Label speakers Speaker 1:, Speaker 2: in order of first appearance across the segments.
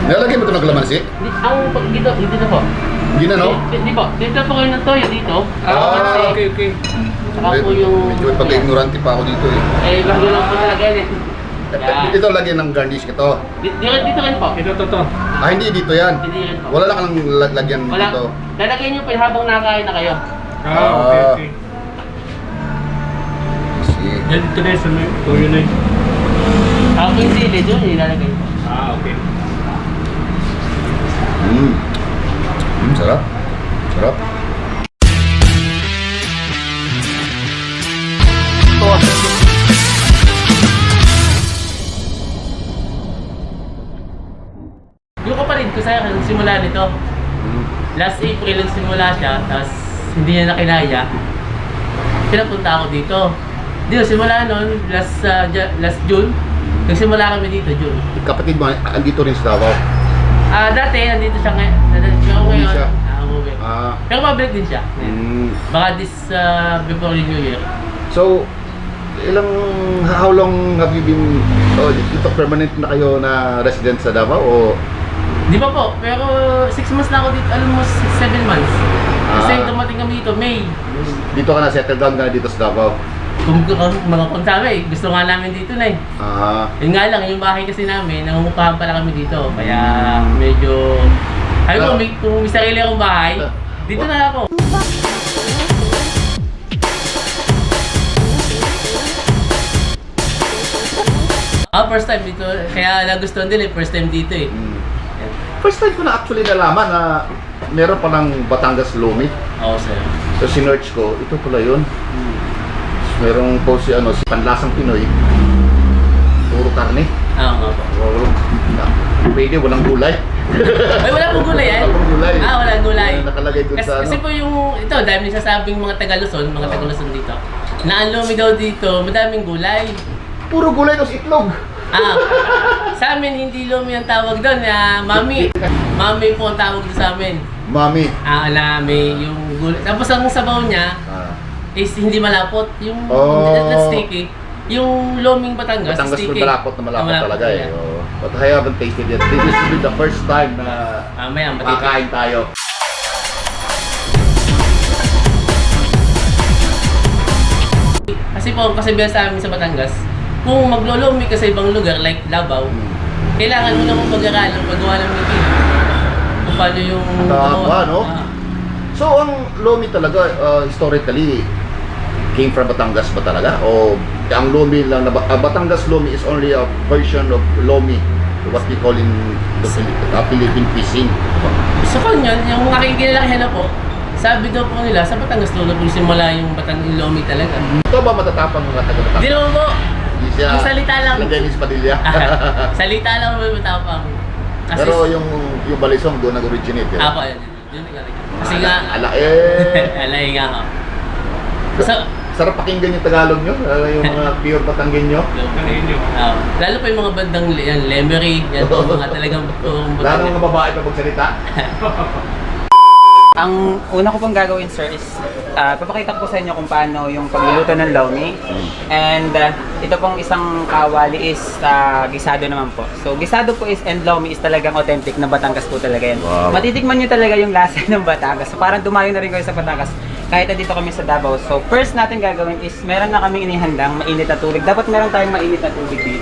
Speaker 1: Nilalagay mo ito ng kalamansi?
Speaker 2: Dito na po.
Speaker 1: Hindi na, no?
Speaker 2: Hindi po. Dito po kayo ng toyo dito.
Speaker 3: Okay.
Speaker 2: Saka po yung...
Speaker 1: Medyo pagka-ignorante pa ako dito eh.
Speaker 2: Bago lang po talaga yan eh. Yan.
Speaker 1: Ito lagyan ng garnish ito.
Speaker 2: Dito rin po.
Speaker 3: Ito.
Speaker 1: Ah, hindi dito yan.
Speaker 2: Hindi rin po.
Speaker 1: Wala lang kang lagyan
Speaker 2: Wala.
Speaker 1: dito.
Speaker 2: Lalagyan nyo po habang nakain na kayo.
Speaker 3: Okay.
Speaker 1: Sige.
Speaker 3: Yan, ito na yun. Tuyo na yun.
Speaker 2: Ako yung sili doon, ilalagay po.
Speaker 3: Okay.
Speaker 1: Sarap. Sarap.
Speaker 2: Yung kapatid ko sa akin, simula nito. Last April lang simula siya, tapos hindi niya nakinaya. Pinapunta ako dito. Dito, simula noon, last June. Nagsimula kami dito, June.
Speaker 1: Kapatid mo, andito rin sa Davao.
Speaker 2: Dati, nandito siya ngayon.
Speaker 1: Umuwi siya.
Speaker 2: Umuwi. Pero mabalik din siya. Baka before the New Year.
Speaker 1: So, how long have you been, dito permanent na kayo na resident sa Davao o?
Speaker 2: Di pa po, pero 6 months na ako dito, almost 7 months. Kasi dumating kami dito, May.
Speaker 1: Dito ka na, settle down ka na dito sa Davao?
Speaker 2: Kung sabi, gusto nga namin dito na eh. Yun nga lang, yung bahay kasi namin, nangungupahan pala kami dito. Kaya medyo, sabi ko, kung may sarili akong bahay, dito na ako. First time dito, kaya nagustuhan din eh, first time dito eh.
Speaker 1: First time ko na actually nalaman na meron palang Batangas Lomi.
Speaker 2: Oo, sir.
Speaker 1: So sinearch ko, ito pala yun. Merong po si Panlasang Pinoy. Puro karne.
Speaker 2: Oo nga po.
Speaker 1: Pwede, walang gulay.
Speaker 2: Ay, wala pong gulay yan?
Speaker 1: Walang gulay.
Speaker 2: Walang gulay.
Speaker 1: Nakalagay dun sa
Speaker 2: Kasi po yung, ito, dahil nagsasabing mga Taga-Luzon, dito, na ang lomi daw dito, madaming gulay.
Speaker 1: Puro gulay tapos itlog.
Speaker 2: Sa amin, hindi lomi ang tawag doon, mami. Mami po ang tawag doon sa amin.
Speaker 1: Mami.
Speaker 2: May yung gulay. Tapos ang sabaw niya, is hindi malapot. Yung that's sticky. Yung loming Batangas sticky.
Speaker 1: Malapot na malapot talaga eh. But I haven't tasted it. This will be the first time na makakain tayo.
Speaker 2: Kasi po, kasi bilang sa amin sa Batangas, kung maglolomi ka sa ibang lugar like Davao, kailangan mo namang pag-aralan, paggawa ng ngipin. Kung paano yung...
Speaker 1: Tama, no? So, ang lomi talaga, historically, came from Batangas ba talaga? O ang lomi lang na Batangas lomi is only a version of lomi, what we call in the Philippine cuisine.
Speaker 2: Sa kanya, yung aking kinalakihan na po, sabi daw po nila, sa Batangas lolo po simula yung Batangas lomi talaga.
Speaker 1: Ito ba matatapang mga taga-Batangas?
Speaker 2: Hindi naman po.
Speaker 1: Siya,
Speaker 2: yung salita lang.
Speaker 1: Yung Dennis Padilla.
Speaker 2: Salita lang may matapang. Kasi,
Speaker 1: pero yung Balisong doon nag-originate.
Speaker 2: Ako, yun kasi nga... Alay nga ako.
Speaker 1: Sarap pakinggan yung Tagalog nyo, yung mga pure Batanggenyo.
Speaker 2: Lalo pa yung mga bandang yan, Lemery, yan po mga talagang
Speaker 1: lalo mga babae pa magsalita.
Speaker 4: Ang una ko pong gagawin, sir, is papakita ko sa inyo kung paano yung pagluluto ng lomi. And ito pong isang kawali is gisado naman po. So gisado po is and lomi is talagang authentic na Batangas po talaga yan.
Speaker 1: Wow.
Speaker 4: Matitikman nyo talaga yung lasa ng Batangas. So parang dumayo na rin kayo sa Batangas kahit nandito kami sa Davao. So first natin gagawin is meron na kaming inihandang mainit na tubig. Dapat meron tayong mainit na tubig dito.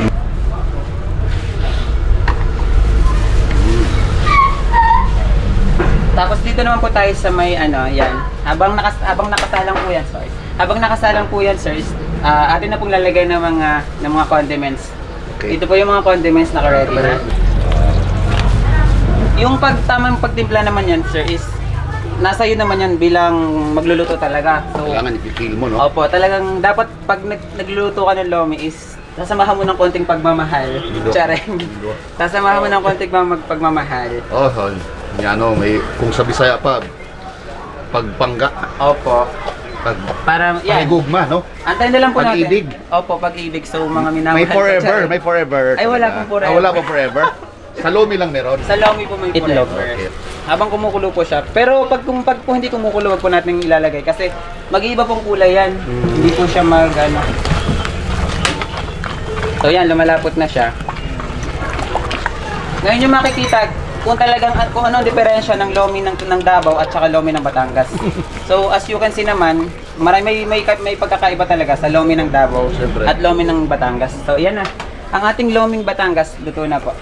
Speaker 4: Tapos dito naman po tayo sa may yan. Habang nakasalang po yan, sorry. Habang nakasalang po yan, sir, atin na pong lalagay ng mga condiments.
Speaker 1: Okay.
Speaker 4: Ito po yung mga condiments na ready na. Yung tamang pagtimpla naman yan, sir, is nasa iyo naman yan bilang magluluto talaga. So,
Speaker 1: Kailangan ipipil mo, no?
Speaker 4: Opo, talagang dapat pag nagluluto ka ng lomi is sasamahan mo ng konting pagmamahal. Charing. Sasamahan mo ng konting pagmamahal.
Speaker 1: May kung sa Bisaya pa, pagpangga.
Speaker 4: Opo. Para yan.
Speaker 1: Pagigugma, no?
Speaker 4: Antayin na lang po
Speaker 1: Pag-ibig.
Speaker 4: natin. Opo, pag-ibig. So, mga minamahal.
Speaker 1: May forever.
Speaker 4: Ay, wala pong forever.
Speaker 1: Wala pong forever. Sa lomi lang meron.
Speaker 4: Sa lomi po may
Speaker 1: Itlog.
Speaker 4: forever.
Speaker 1: Okay.
Speaker 4: Habang kumukulo po siya. Pero pag hindi kumukulo, wag po natin ilalagay. Kasi mag-iiba pong kulay yan. Hindi po siya So yan, lumalapot na siya. Ngayon yung makikita kung talagang kung ano ang diferensya ng lomi ng Davao at saka lomi ng Batangas. So as you can see naman, may pagkakaiba talaga sa lomi ng Davao
Speaker 1: Siyempre.
Speaker 4: at lomi ng Batangas. So yan na. Ang ating loming Batangas, luto na po.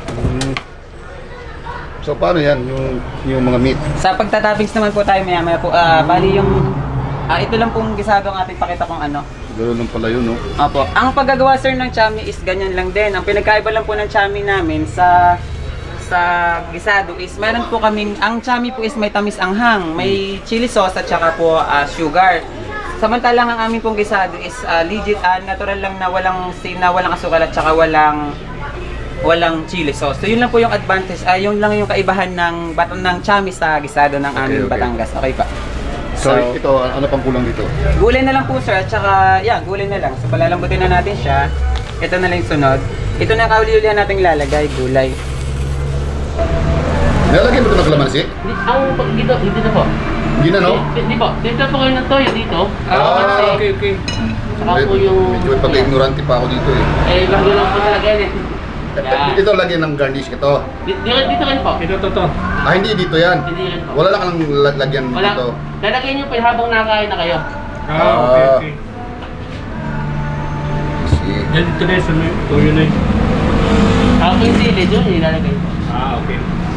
Speaker 1: So paano yan, yung mga meat?
Speaker 4: Sa pagtatoppings naman po tayo maya po. Bali yung ito lang pong gisado ang ating pakita kung ano.
Speaker 1: Gano'n lang pala yun, no?
Speaker 4: Opo. Ang paggagawa sir ng chami is ganyan lang din. Ang pinagkaiba lang po ng chami namin sa gisado is meron po kaming, ang chami po is may tamis anghang, may chili sauce at saka po sugar. Samantalang ang aming pong gisado is legit natural lang na walang asukal at saka walang chili sauce. So yun lang po yung advantage, yun lang yung kaibahan ng chami sa gisado ng aming
Speaker 1: Okay.
Speaker 4: Batangas. Okay pa.
Speaker 1: So, ito, ano pang kulang dito?
Speaker 4: Gulay na lang po sir, at saka, gulay na lang. So palalambutin na natin siya. Ito na lang yung sunod. Ito na kauli-ulihan natin lalagay, gulay.
Speaker 1: Nilalagyan mo ito ng kalamansi?
Speaker 2: Dito na po.
Speaker 1: Hindi na, no?
Speaker 2: Hindi po. Dito po kayo ng toyo dito.
Speaker 3: Okay.
Speaker 2: Saka po yung...
Speaker 1: Medyo pagka-ignorante pa ako dito eh.
Speaker 2: bago lang po talaga yan eh. Yan.
Speaker 1: Ito lagyan ng garnish ito.
Speaker 2: Dito kayo po.
Speaker 3: Ito.
Speaker 1: Hindi dito yan.
Speaker 2: Hindi rin po.
Speaker 1: Wala lang kang lagyan
Speaker 2: Wala.
Speaker 1: dito.
Speaker 2: Lalagyan nyo po habang nakain na kayo.
Speaker 3: Okay.
Speaker 1: See.
Speaker 3: Yan, ito na yung tuyo na yun.
Speaker 2: Ako yung sili doon, ilalagay po.
Speaker 3: Okay.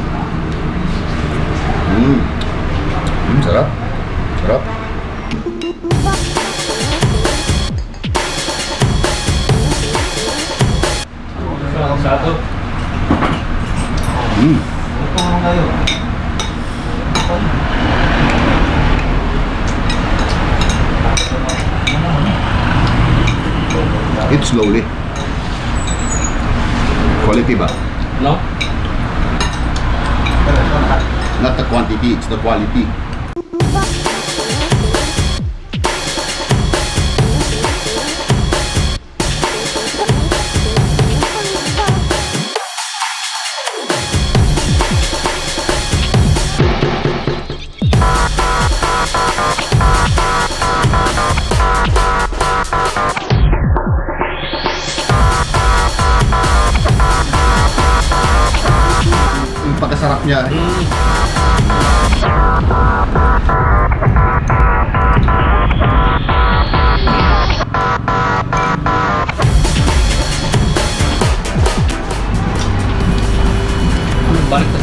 Speaker 1: Sarap. Sarap.
Speaker 3: Sado.
Speaker 1: Eat slowly. Quality ba?
Speaker 3: No?
Speaker 1: Not the quantity, it's the quality. Yung pagkasarap niya.
Speaker 3: Balik na